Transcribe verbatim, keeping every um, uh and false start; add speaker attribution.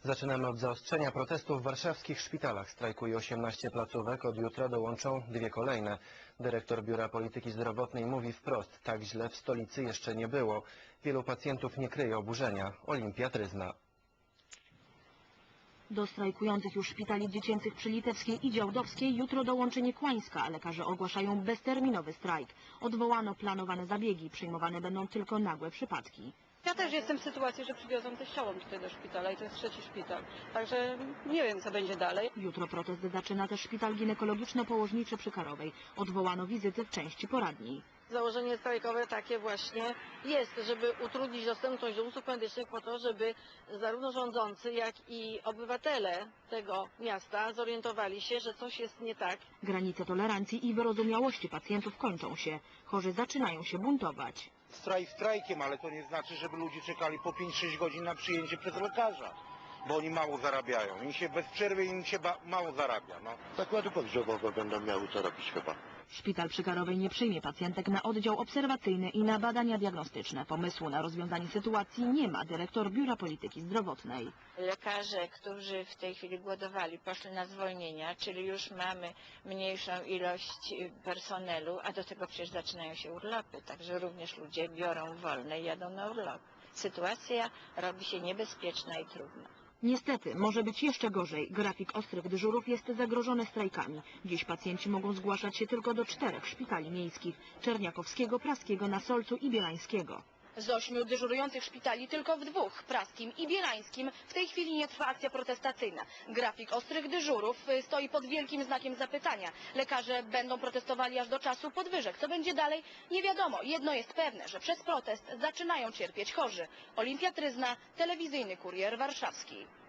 Speaker 1: Zaczynamy od zaostrzenia protestów w warszawskich szpitalach. Strajkuje osiemnaście placówek, od jutra dołączą dwie kolejne. Dyrektor Biura Polityki Zdrowotnej mówi wprost, tak źle w stolicy jeszcze nie było. Wielu pacjentów nie kryje oburzenia. Olimpia Tryzna.
Speaker 2: Do strajkujących już szpitali dziecięcych przy Litewskiej i Działdowskiej jutro dołączy Niekłańska. Lekarze ogłaszają bezterminowy strajk. Odwołano planowane zabiegi. Przyjmowane będą tylko nagłe przypadki.
Speaker 3: Ja też jestem w sytuacji, że przywiozą teściową tutaj do szpitala i to jest trzeci szpital. Także nie wiem, co będzie dalej.
Speaker 2: Jutro protest zaczyna też szpital ginekologiczno-położniczy przy Karowej. Odwołano wizyty w części poradni.
Speaker 3: Założenie strajkowe takie właśnie jest, żeby utrudnić dostępność do usług medycznych po to, żeby zarówno rządzący, jak i obywatele tego miasta zorientowali się, że coś jest nie tak.
Speaker 2: Granice tolerancji i wyrozumiałości pacjentów kończą się. Chorzy zaczynają się buntować.
Speaker 4: Strajk strajkiem, ale to nie znaczy, żeby ludzie czekali po pięć sześć godzin na przyjęcie przez lekarza, bo oni mało zarabiają. Im się bez przerwy im się mało zarabia. No.
Speaker 5: Zakłady pogrzebowe będą miały co robić chyba.
Speaker 2: Szpital przy Karowej nie przyjmie pacjentek na oddział obserwacyjny i na badania diagnostyczne. Pomysłu na rozwiązanie sytuacji nie ma dyrektor Biura Polityki Zdrowotnej.
Speaker 6: Lekarze, którzy w tej chwili głodowali, poszli na zwolnienia, czyli już mamy mniejszą ilość personelu, a do tego przecież zaczynają się urlopy, także również ludzie biorą wolne i jadą na urlop. Sytuacja robi się niebezpieczna i trudna.
Speaker 2: Niestety, może być jeszcze gorzej. Grafik ostrych dyżurów jest zagrożony strajkami. Dziś pacjenci mogą zgłaszać się tylko do czterech szpitali miejskich: Czerniakowskiego, Praskiego, na Solcu i Bielańskiego.
Speaker 7: Z ośmiu dyżurujących szpitali tylko w dwóch, Praskim i Bielańskim, w tej chwili nie trwa akcja protestacyjna. Grafik ostrych dyżurów stoi pod wielkim znakiem zapytania. Lekarze będą protestowali aż do czasu podwyżek. Co będzie dalej? Nie wiadomo. Jedno jest pewne, że przez protest zaczynają cierpieć chorzy. Olimpia Tryzna, telewizyjny Kurier Warszawski.